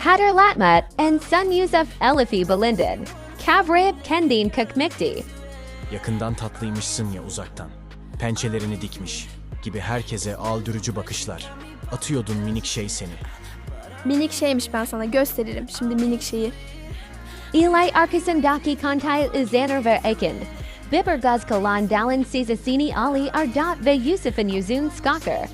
Hatırlatma and Sun Yusuf Elifi Belindin. Kavrayıp kendin kıkmikti. Yakından tatlıymışsın ya uzaktan. Pençelerini dikmiş gibi herkese aldırıcı bakışlar. Atıyordun minik şey seni. Minik şeymiş, ben sana gösteririm şimdi minik şeyi. İlay arkasındaki kontay izanır ve ekin. Bibergaz kalan dalin sizasini Ali Ardat ve Yusuf'un yüzün skakır.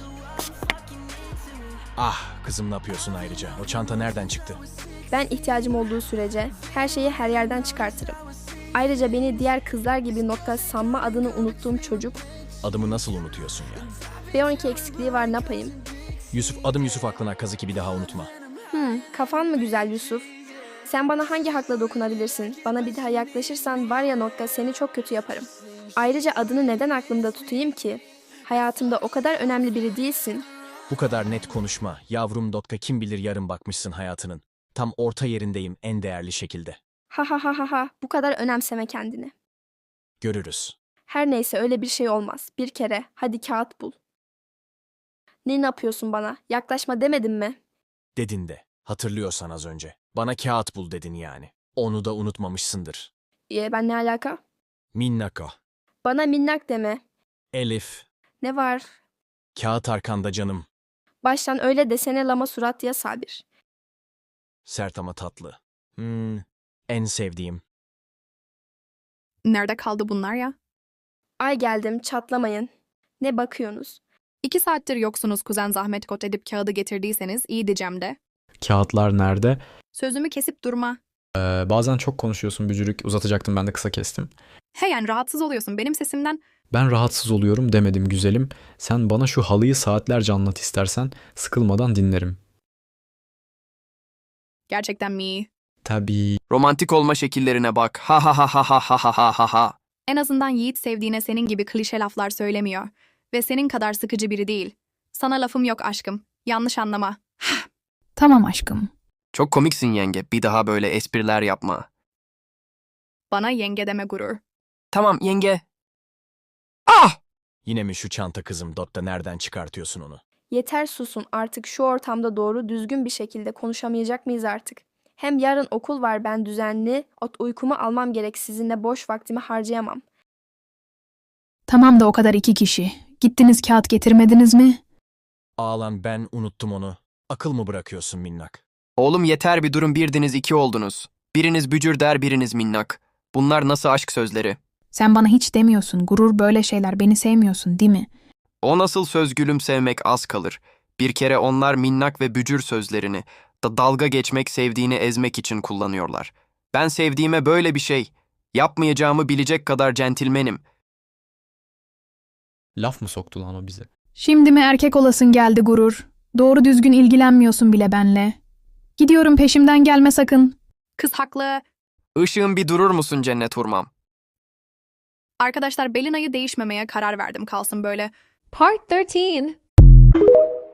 Ah kızım, ne yapıyorsun ayrıca? O çanta nereden çıktı? Ben ihtiyacım olduğu sürece her şeyi her yerden çıkartırım. Ayrıca beni diğer kızlar gibi nokta sanma adını unuttuğum çocuk. Adımı nasıl unutuyorsun ya? B12 eksikliği var, ne yapayım? Adım Yusuf aklına kazı ki bir daha unutma. Kafan mı güzel Yusuf? Sen bana hangi hakla dokunabilirsin? Bana bir daha yaklaşırsan var ya nokta, seni çok kötü yaparım. Ayrıca adını neden aklımda tutayım ki? Hayatımda o kadar önemli biri değilsin. Bu kadar net konuşma. Yavrum Dotka, kim bilir yarın bakmışsın hayatının. Tam orta yerindeyim en değerli şekilde. Ha ha ha ha ha, bu kadar önemseme kendini. Görürüz. Her neyse, öyle bir şey olmaz. Bir kere hadi kağıt bul. Ne yapıyorsun bana? Yaklaşma demedim mi? Dedin de. Hatırlıyorsan az önce. Bana kağıt bul dedin yani. Onu da unutmamışsındır. Ben ne alaka? Minnako. Bana minnak deme. Elif. Ne var? Kağıt arkanda canım. Baştan öyle desene lama surat ya Sabir. Sert ama tatlı. En sevdiğim. Nerede kaldı bunlar ya? Ay geldim, çatlamayın. Ne bakıyorsunuz? 2 saattir yoksunuz, kuzen zahmet kot edip kağıdı getirdiyseniz iyi diyeceğim de. Kağıtlar nerede? Sözümü kesip durma. Bazen çok konuşuyorsun Bücürük. Uzatacaktım, ben de kısa kestim. He yani rahatsız oluyorsun benim sesimden. Ben rahatsız oluyorum demedim güzelim. Sen bana şu halıyı saatlerce anlat istersen. Sıkılmadan dinlerim. Gerçekten mi? Tabii. Romantik olma şekillerine bak. Ha ha ha ha ha ha ha ha ha ha. En azından Yiğit sevdiğine senin gibi klişe laflar söylemiyor. Ve senin kadar sıkıcı biri değil. Sana lafım yok aşkım. Yanlış anlama. Tamam aşkım. Çok komiksin yenge. Bir daha böyle espriler yapma. Bana yenge deme gurur. Tamam yenge. Ah! Yine mi şu çanta kızım Dotta, nereden çıkartıyorsun onu? Yeter, susun artık, şu ortamda doğru düzgün bir şekilde konuşamayacak mıyız artık? Hem yarın okul var, ben düzenli uykumu almam gerek, sizinle boş vaktimi harcayamam. Tamam da o kadar 2 kişi. Gittiniz kağıt getirmediniz mi? Ağlan, ben unuttum onu. Akıl mı bırakıyorsun minnak? Oğlum yeter, bir durun, birdiniz iki oldunuz. Biriniz bücür der, biriniz minnak. Bunlar nasıl aşk sözleri? Sen bana hiç demiyorsun. Gurur böyle şeyler. Beni sevmiyorsun değil mi? O nasıl söz gülüm, sevmek az kalır. Bir kere onlar minnak ve bücür sözlerini dalga geçmek, sevdiğini ezmek için kullanıyorlar. Ben sevdiğime böyle bir şey yapmayacağımı bilecek kadar centilmenim. Laf mı soktu lan o bize? Şimdi mi erkek olasın geldi gurur? Doğru düzgün ilgilenmiyorsun bile benle. Gidiyorum, peşimden gelme sakın. Kız haklı. Işığın bir durur musun cennet hurmam? Arkadaşlar Belina'yı değişmemeye karar verdim, kalsın böyle. Part 13.